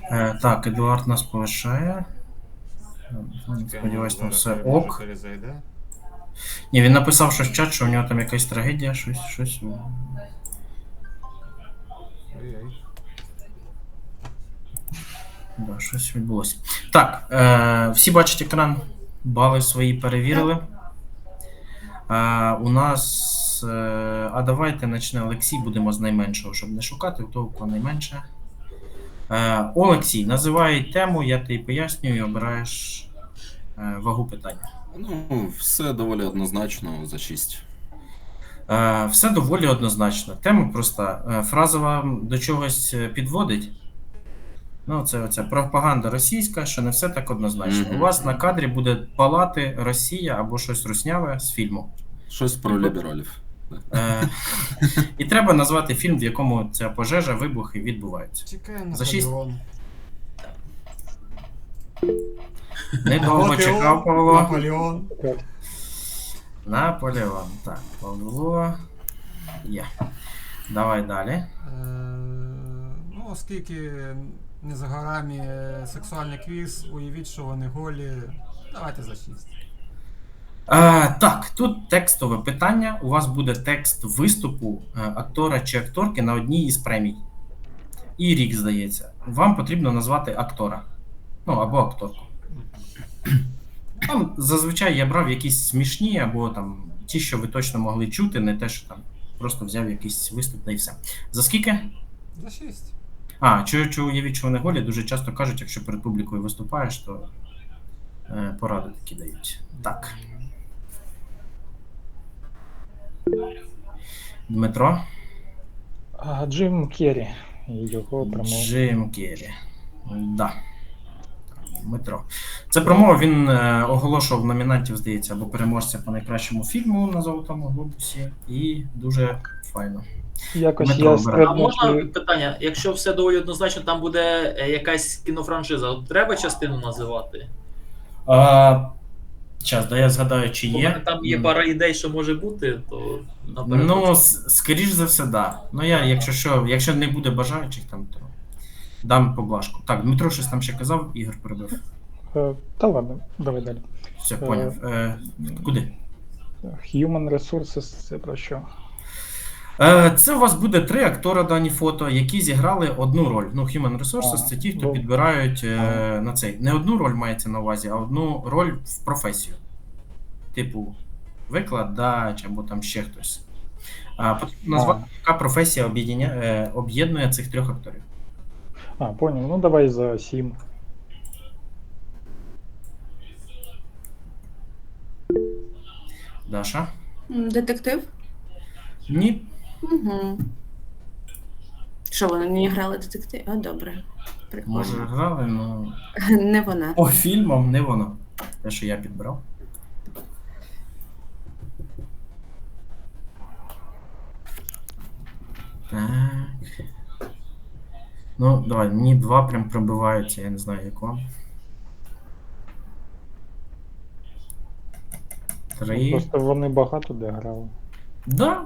Так, Едуард нас полишає. Чекаємо, Сподіваюсь, там зараз все може ок. перезайде. Ні, він написав щось в чат, що у нього там якась трагедія, щось. Ой-ой. Да, щось відбулося. Так, всі бачать екран, бали свої перевірили. У нас. А давайте почне Олексій, будемо з найменшого, щоб не шукати, у того кого найменше. Олексій, називай тему, я тобі пояснюю і обираєш вагу питання. Ну, все доволі однозначно за 6. Все доволі однозначно. Тема проста. Фраза вам до чогось підводить. Ну, це оця пропаганда російська, що не все так однозначно. У вас на кадрі буде палати Росія або щось русняве з фільму. Щось про лібералів. І треба назвати фільм, в якому ця пожежа, вибухи відбуваються. Чекаємо За шість. Наполеон. Недовго чекав Павло. Наполеон. Наполеон. Так, Павло. Є. Давай далі. Ну, оскільки не за горами сексуальний квіз, уявіть, що вони голі. Давайте за 6. Так, тут текстове питання. У вас буде текст виступу актора чи акторки на одній із премій. І рік, здається. Вам потрібно назвати актора. Ну, або акторку. Там зазвичай я брав якісь смішні, або там ті, що ви точно могли чути, не те, що там просто взяв якийсь виступ та і все. За скільки? За 6. Чи уявіть, що вони голі, дуже часто кажуть, якщо перед публікою виступаєш, то поради такі дають. Так. Дмитро? Джим Керрі і його промова. Джим Керрі. Да. Дмитро. Це промова, він оголошував номінантів, здається, або переможця по найкращому фільму на Золотому Глобусі. І дуже файно. Якось Дмитро, я обирай. А можна стрибнув. питання? Якщо все доволі однозначно, там буде якась кінофраншиза, треба частину називати? Час, да я згадаю, чи Бо в є. мене там є пара ідей, що може бути, то наперед. Ну, скоріш за все, да. Ну я, якщо не буде бажаючих там, то дам поблажку. Так, Дмитро щось там ще казав, Ігор перебив. Та ладно, давай далі. Все, поняв. Куди? Human Resources, це про що? Це у вас буде 3 актора дані фото, які зіграли одну роль. Ну, Human Resources це ті, хто підбирають на цей. Не одну роль мається на увазі, а одну роль в професію. Типу, викладач або там ще хтось. Потрібно назвати, яка професія об'єднує цих 3 акторів. Понял. Ну давай за 7. Даша? Детектив? Ні. Угу. Що, вони не грали детектив? Добре. Прикольно. Може грали, але Не вона. по фільмам не воно. Те, що я підбирав. Так. Ну, давай, мені 2 прям пробиваються, я не знаю, як вам. 3. Просто вони багато де грали. Да.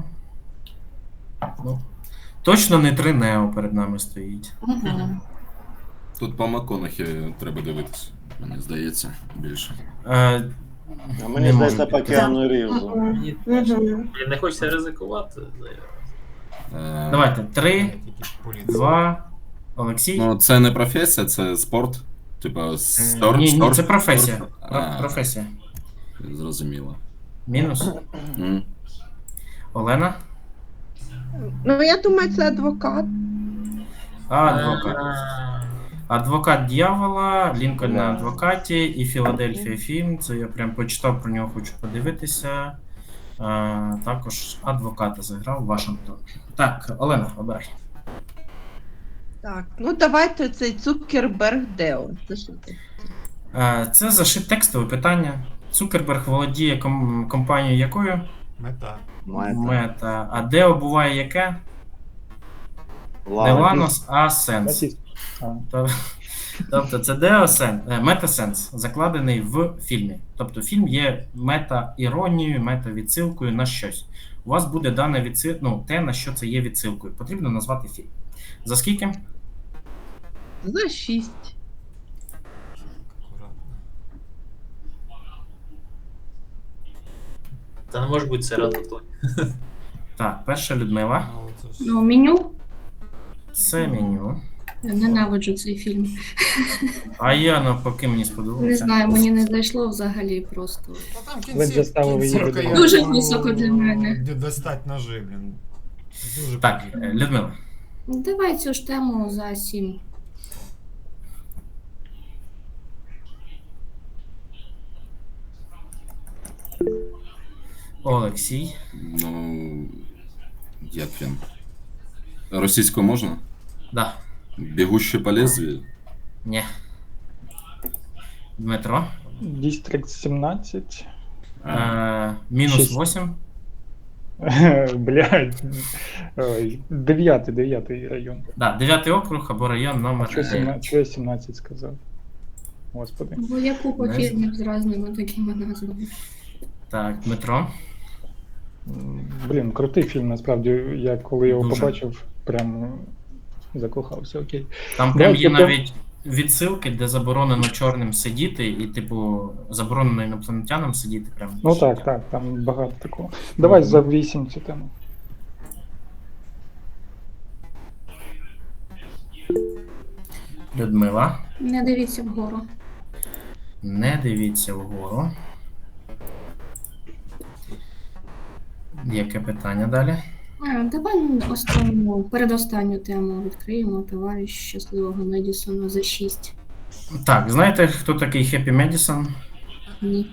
Ну, точно не 3 Нео перед нами стоїть. Угу. Тут по МакКонахі треба дивитися, мені здається, більше. А мені здається, по Кіану Рівзу. Мені теж. Не хочеться ризикувати. Давайте, 3, 2, Олексій. Ну, це не професія, це спорт. Типа Ні, це професія. спорт. Професія. Зрозуміло. Мінус. Олена? Ну, я думаю, це адвокат. Адвокат. Адвокат дьявола, Лінкольн на адвокаті і Філадельфія фільм. Це я прям почитав про нього, хочу подивитися. Також адвоката заграв Вашингтон. Так, Олена, обирай. Так, ну давайте цей Цукерберг Део. Це що це? Це зашит текстове питання. Цукерберг володіє компанією якою? Мета. Мета. А Део буває яке? Не Ланос, а Сенс. Тобто це мета-сенс, закладений в фільмі. Тобто фільм є мета-іронією, мета-відсилкою на щось. У вас буде дане те, на що це є відсилкою. Потрібно назвати фільм. За скільки? За 6. Акуратно. Та не може бути серед. Так, перша Людмила. Ну, це ж... Ну, меню. Це меню. Я ненавиджу цей фільм. А я навпаки мені сподобався. Не знаю, мені не зайшло взагалі просто. Та там Ви заставили її кінцівка, видавати. Дуже я думаю, високо для мене. Де достать ножи, блін. Дуже Так, потрібно. Людмила. Давай цю ж тему за 7. Олексій. Ну. Як він? Російською можна? Да. Бігущий по лезвію? Ні. Дмитро. Дістрикт 17. Мінус Шість. 8. Блядь. Ой, 9 район. Да, 9 округ або район номер Чого 9. я 17 сказав? Господи. Бо є купа Не фільмів з різними такими назвами. Так, Дмитро. Блін, крутий фільм, насправді. Я коли його Дуже. побачив, прям закохався, окей. Там прям Давайте є по- навіть відсилки, де заборонено чорним сидіти, і, типу, заборонено інопланетянам сидіти. Прям. Ну так, там багато такого. Давай за 8 цю тему. Людмила. Не дивіться вгору. Не дивіться вгору. Яке питання далі? Давай передостанню тему відкриємо. Товариш щасливого Медісона за 6. Так, знаєте, хто такий Хеппі Медісон? Ні.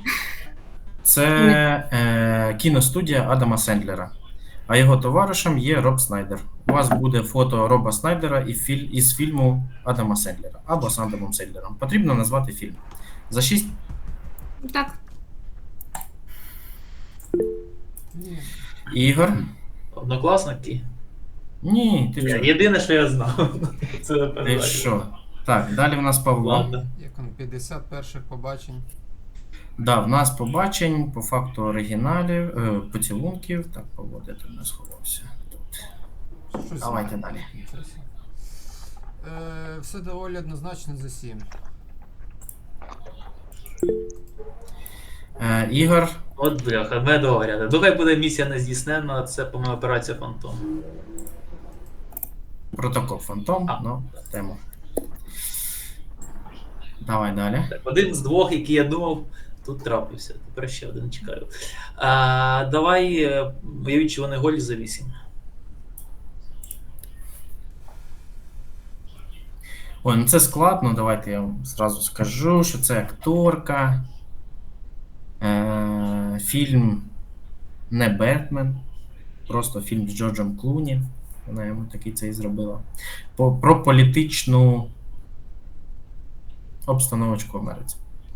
Це кіностудія Адама Сендлера. А його товаришем є Роб Снайдер. У вас буде фото Роба Снайдера із фільму Адама Сендлера або з Адамом Сендлером. Потрібно назвати фільм. За 6. Так. Ні. Ігор. Однокласники? Ні, ти Ні, що? єдине, що я знав. Це Ти передача. що? Так, далі в нас Павло. Ладно. Як он 50 перших побачень. Да, в нас побачень по факту оригіналів, поцілунків. Так, Павло, де ти в нас сховався? Тут. Щось Давайте знаю. далі. Нічого собі. Все доволі однозначно за 7. Ігор. От бляха, ми договоряли. Доки буде місія не здійснена, це, по-моєму, операція Фантом. Протокол Фантом. А. Ну, тему. Давай далі. Так, один з двох, який я думав, тут трапився. Тепер ще один чекаю. Давай, уявіть, що вони голі за 8. Ой, ну це складно, давайте я вам зразу скажу, що це акторка. Фільм не Бетмен, просто фільм з Джорджем Клуні. Вона йому такий цей зробила. Про політичну обстановочку в Америці.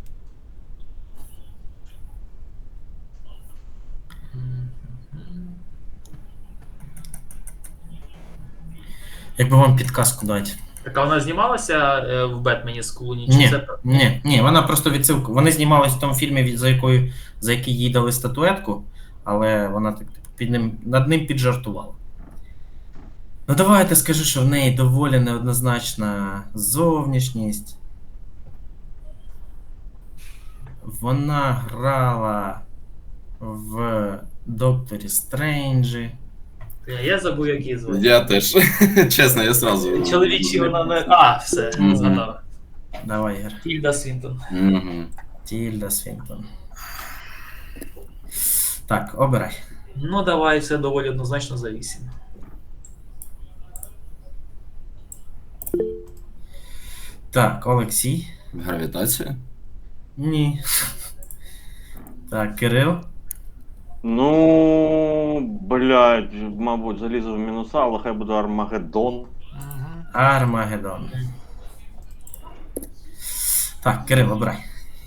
Якби вам підказку дати. Так, а вона знімалася в Бетмені з Клуні? Ні, це... ні, вона просто відсилку. Вони знімались в тому фільмі, за який їй дали статуетку, але вона так типу, над ним піджартувала. Ну давайте скажу, що в неї доволі неоднозначна зовнішність. Вона грала в Докторі Стренджі. Я забув, як її звати. Я теж. Чесно, я сразу. Чоловічі вона не. А, все, Мгм. згадав. Давай, Ігор. Тільда Свінтон. Мгм. Тільда Свінтон. Так, обирай. Ну, давай, все доволі однозначно за 8. Так, Олексій. Гравітація? Ні. Так, Кирил. Ну, блядь, мабуть, залізу в мінуса, але хай буде Армагеддон. Угу. Армагеддон. Так, Кирил, обирай.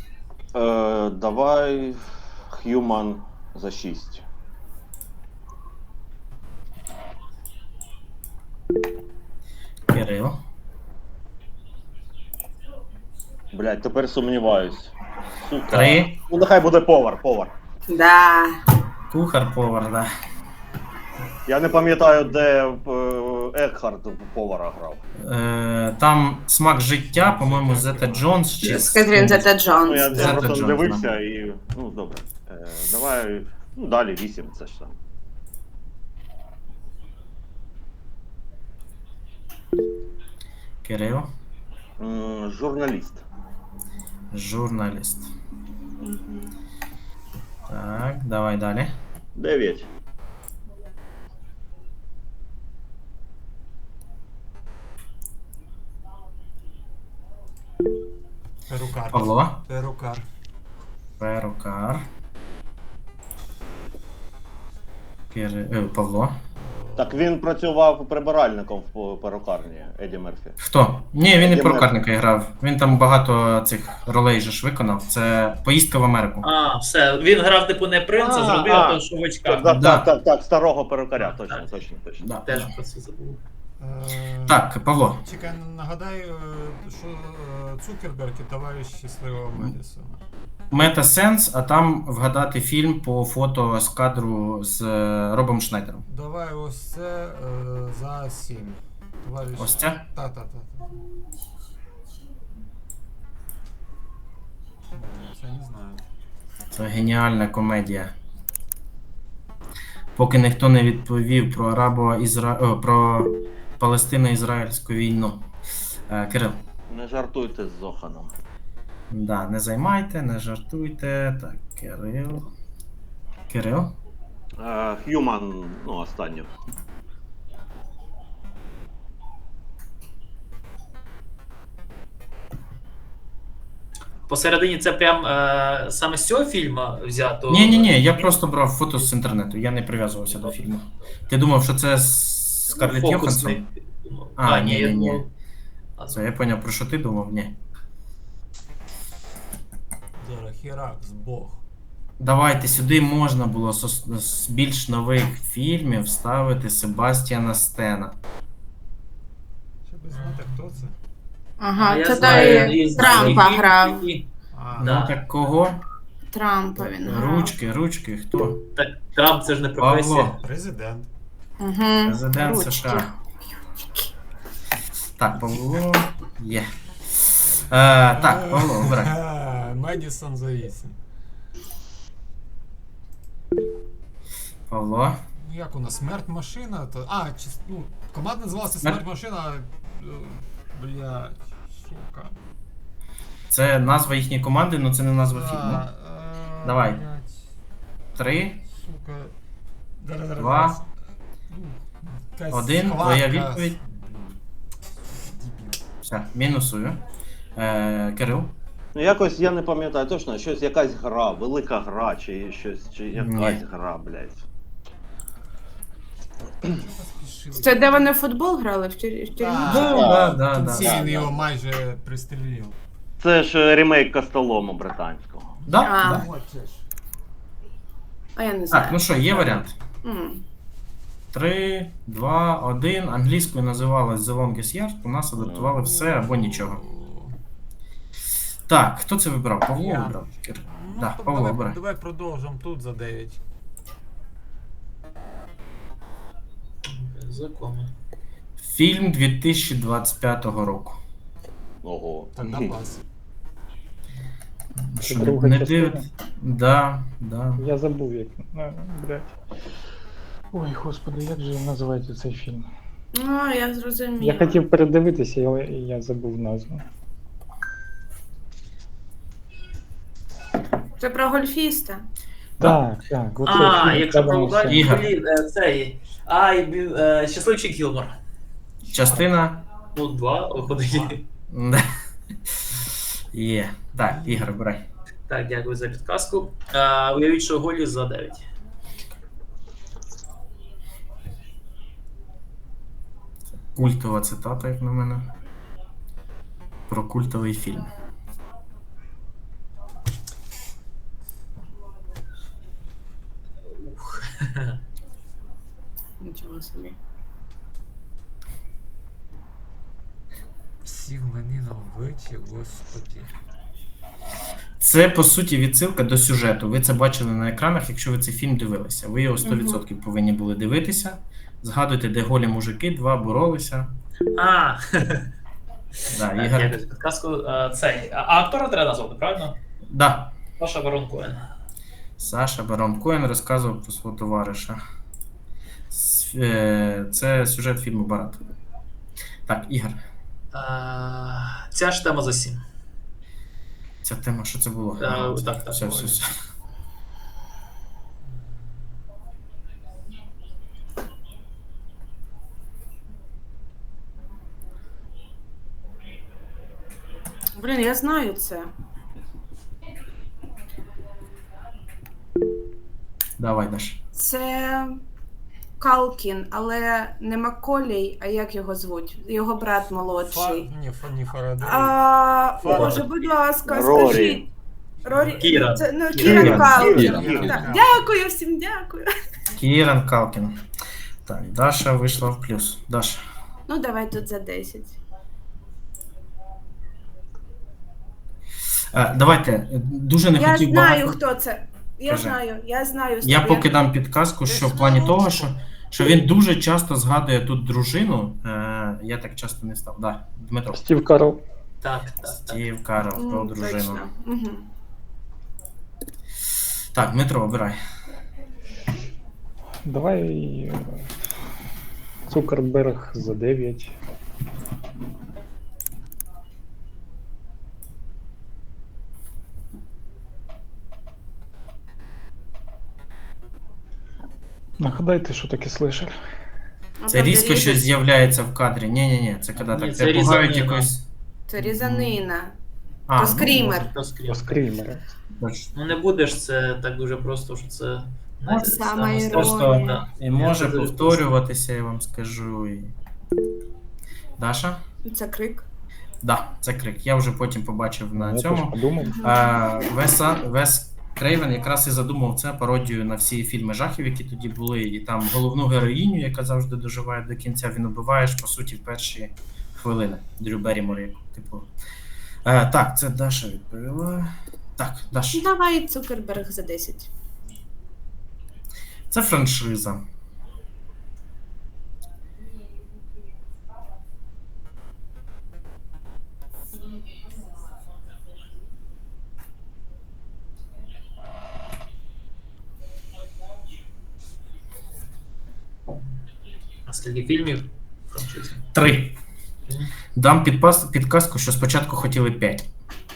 Давай Human за 6. Кирил. Блядь, тепер сумніваюсь. Сука. 3. Ну, нехай буде повар. Да. Кухар-повар, да. Я не пам'ятаю, де Екхард повара грав. Там смак життя, по-моєму, Зета Джонс чи Кетрін Зета Ну, Джонс. я Зета просто Джонс, не дивився і. Ну, добре. Давай. Ну, далі 8, це ж там. Кирил. Журналіст. Журналіст. Так, давай далі. 9. Перукар. Павло. Перукар. Перукар. Павло. Так він працював прибиральником в перукарні Еді Мерфі. Хто? Ні, він і Еді перукарника грав. Він там багато цих ролей же ж виконав. Це поїздка в Америку. А, все. Він грав типу не принца, зробив того, що в очках. Так, старого перукаря, точно. Да. Теж про це забув. Так, Павло. Чекай, нагадай, що Цукерберг і товариш щасливого Медісона. Метасенс, а там вгадати фільм по фото з кадру з Робом Шнайдером. Давай ось це за 7. Товариш... Ось це? Та. Це не знаю. Це геніальна комедія. Поки ніхто не відповів про про Палестино-Ізраїльську війну. Кирил. Не жартуйте з Зоханом. Да, не займайте, не жартуйте. Так, Кирил. Х'юман, ну, останню. Посередині це прям саме з цього фільму взято? Ні, я просто брав фото з інтернету, я не прив'язувався до фільму. Ти думав, що це Скарлетт Йоханссон? Ні. Я думав. Це я поняв, про що ти думав? Ні. Зараз Херакс, Бог. Давайте, сюди можна було з більш нових фільмів вставити Себастьяна Стена. Щоб знати, хто це. Ага, Я це знаю, той і Трампа знаю, грав. А, Ну Да. так кого? Трампа він грав. Ручки, хто? Так, Трамп це ж не професія. Павло, президент. Угу. президент Ручки. США. Так, Павло. Є. Так, Павло, обирай. Медісон за 8. Павло. Ну як у нас, смерть машина? Ну, команда називалася Смерть- смерть машина. Блядь, сука. Це назва їхньої команди, але це не назва фільму. Давай. Блядь, 3, сука. 2, 1. Твоя відповідь. Все, мінусую. Кирил. Ну, якось я не пам'ятаю точно, щось якась гра, велика гра, чи щось, чи якась гра, блядь. Це де вони в футбол грали в тюрмі? Да. Він його майже пристрілив. Це ж ремейк Костолому британського. Да? А. Да. А я не знаю. Так, ну що, є варіант. М. 3, 2, 1. Англійською називалась The Longest Yard, у нас адаптували все або нічого. Так, хто це вибрав? Павло Я. вибрав? Кир. Ну, Да, то Павло, обирай. давай продовжимо тут за 9. Законно. Фільм 2025 року. Ого. Тогда пас. Це Що, друга не частина? дивить? Да. Я забув, як. Блядь. Ой, господи, як же називається цей фільм? Ну, я зрозуміла. Я хотів передивитися, але я забув назву. Це про гольфіста. Так. Оце фільм, Якщо треба про все. Ігор. цей. Щасливчик Гілмор. Частина. Ну, 2 виходить. Да. Є. Так, Ігор, обирай. Так, дякую за підказку. Уявіть, що голі за 9. Культова цитата, як на мене. Про культовий фільм. Нічого собі. Сів мені на обличчя, господи. Це, по суті, відсилка до сюжету. Ви це бачили на екранах, якщо ви цей фільм дивилися. Ви його 100% повинні були дивитися. Згадуйте, де голі мужики, два боролися. А, Да, так, Ігор. якось підказку. Цей. А актора треба назвати, правильно? Да. Саша Барон Коен. Саша Барон Коен розказував про свого товариша. Це сюжет фільму Барат. Так, Ігор. Ця ж тема за 7. Ця тема, що це було? Так. Все. Блін, я знаю це. Давай, Даш. Це Калкін, але не Макколей, а як його звуть? Його брат молодший. Ні, Фарадей. Боже, будь ласка, Рорі. скажіть. Рорі. Кіран. Це, ну, Кіран. Кіран Калкін. Кіран. Так, дякую всім, дякую. Кіран Калкін. Так, Даша вийшла в плюс. Даша. Ну, давай тут за 10. Давайте, дуже не Я хотів знаю, багато. хто це. Я Кажи. знаю. Я поки дам підказку, що в плані того, що він дуже часто згадує тут дружину. Я так часто не став. Да, Дмитро. Стів Карл. Так. Стів Карл про дружину. Точно. Угу. Так, Дмитро, обирай. Давай Цукерберг за 9. Нагадайте, що таке слешер. Це різко щось з'являється в кадрі. Ні, це коли Ні, так це тебе пугають різанина. якось. Це різанина. А, То скрімер. То скрім. Скрімери. точно. Ну не будеш це так дуже просто, що це. Сама іронія. Просто Да. і може Я це дуже повторюватися, я вам скажу. Даша? Це крик. Да, це крик. Я вже потім побачив на Я теж цьому. подумав. Вес Крейвен якраз і задумав це пародію на всі фільми жахів, які тоді були, і там головну героїню, яка завжди доживає до кінця, він убиваєш, по суті, в перші хвилини. Дрю Беррімор, як типу. Так, це Даша відповіла. Так, Даша. Давай Цукерберг за 10. Це франшиза. А скільки фільмів? Франшизи? 3. Дам підказку, що спочатку хотіли 5.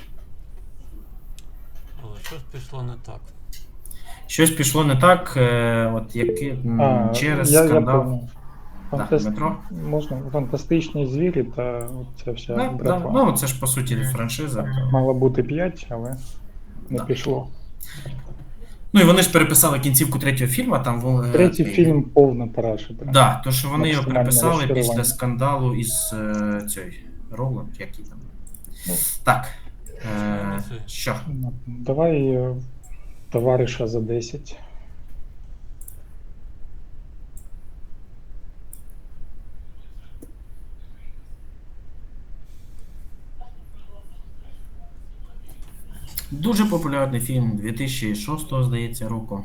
Але щось пішло не так. Щось пішло не так, от через я скандал. понял. Так, Дмитро? Можна фантастичні звірі та ця вся Да, братва. ну, це ж по суті франшиза. То... Мало бути 5, але не Да. пішло. Ну і вони ж переписали кінцівку третього фільму, там Третій фільм повна параша. прям. Да, то що вони його Максимальне переписали розчарування. після скандалу із цією Роланд, який там. Ну. Так. Що? Ну, давай товариша за 10. Дуже популярний фільм 2006, здається, року.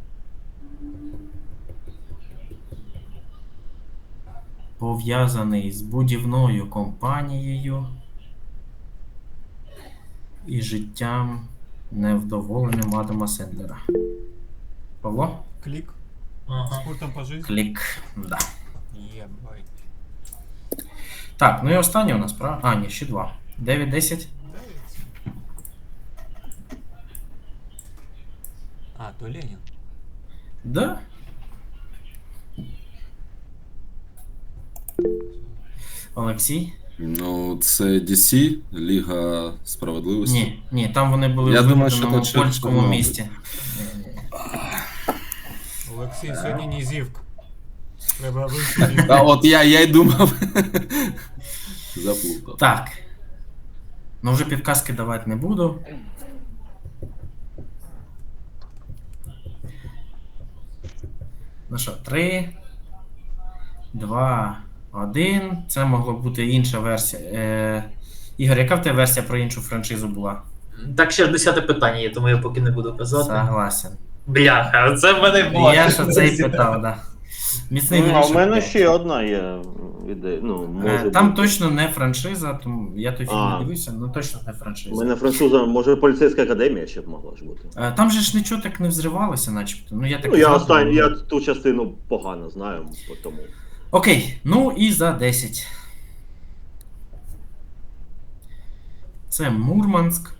Пов'язаний з будівною компанією і життям невдоволеним Адама Сендлера. Павло? Клік. Ага. З культом по житті. Клік. Да. Єбай. Так, ну і останнє у нас, правда? А, ні, ще 2. 9-10. А, то Ленін. Да. Олексій? Ну, це DC, Ліга Справедливості. Ні, там вони були Я в думаю, що вигаданому тут ще польському Чорнобиль. місті. Олексій, сьогодні нізівка. Треба вивчити. А от я й думав. Заплутав. Так. Ну вже підказки давати не буду. Ну що, 3, 2, 1. Це могла бути інша версія. Ігор, яка в тебе версія про іншу франшизу була? Так, ще ж 10-те питання є, тому я поки не буду казати. Согласен. Бляха, це в мене було. Я ж оце і питав, да. Міцний Ну, а в горішок мене п'ять. ще одна є ідея. Ну, може Там бути. точно не франшиза, тому я той фільм А. не дивився, але точно не У франшиза. мене француза, може, поліцейська академія ще б могла ж бути. Там же ж нічого так не взривалося, начебто. Ну, я так Ну, я згадую. я ту частину погано знаю, тому. Окей, ну і за 10. Це Мурманськ.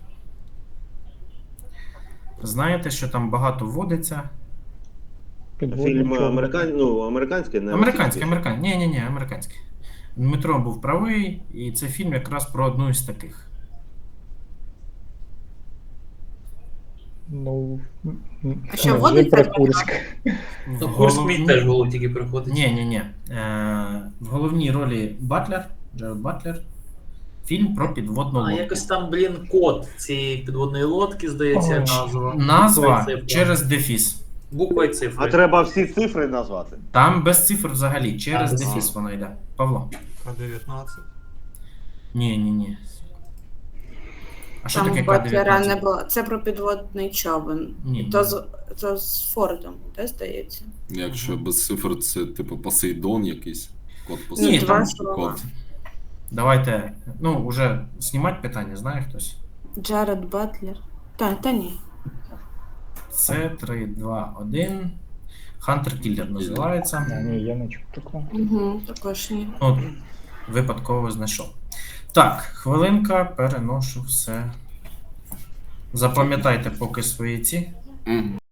Знаєте, що там багато водиться. Фільм американський, не Американський. Ні, американський. Дмитро був правий, і це фільм якраз про одну із таких. Ну, А що, вже водиться? про Курськ. Ну, Курс мій теж в голову тільки приходить. Ні. В головній ролі Батлер, Джеред Батлер. Фільм про підводну А лодку. якось там, код цієї підводної лодки, здається, Ой. назва. Назва Буква і цифра. через дефіс. Буква і цифри. А треба всі цифри назвати. Там без цифр взагалі, через А, дефіс воно йде. Павло. К-19. Ні. А що Там таке Батлера не К-19? було. Це про підводний човен. Ні. То з Фордом, де здається? Якщо без цифр, це типу Посейдон якийсь. Код Ні, Посейдон. там два слова. Код. Давайте, уже знімати питання, знає хтось? Джаред Батлер. Та ні. Це 3, 2, 1. Хантер Кіллер називається. Ні, я не чув такого. Угу, також ні. От, випадково знайшов. Так, хвилинка, переношу все. Запам'ятайте поки свої ці. Мгм.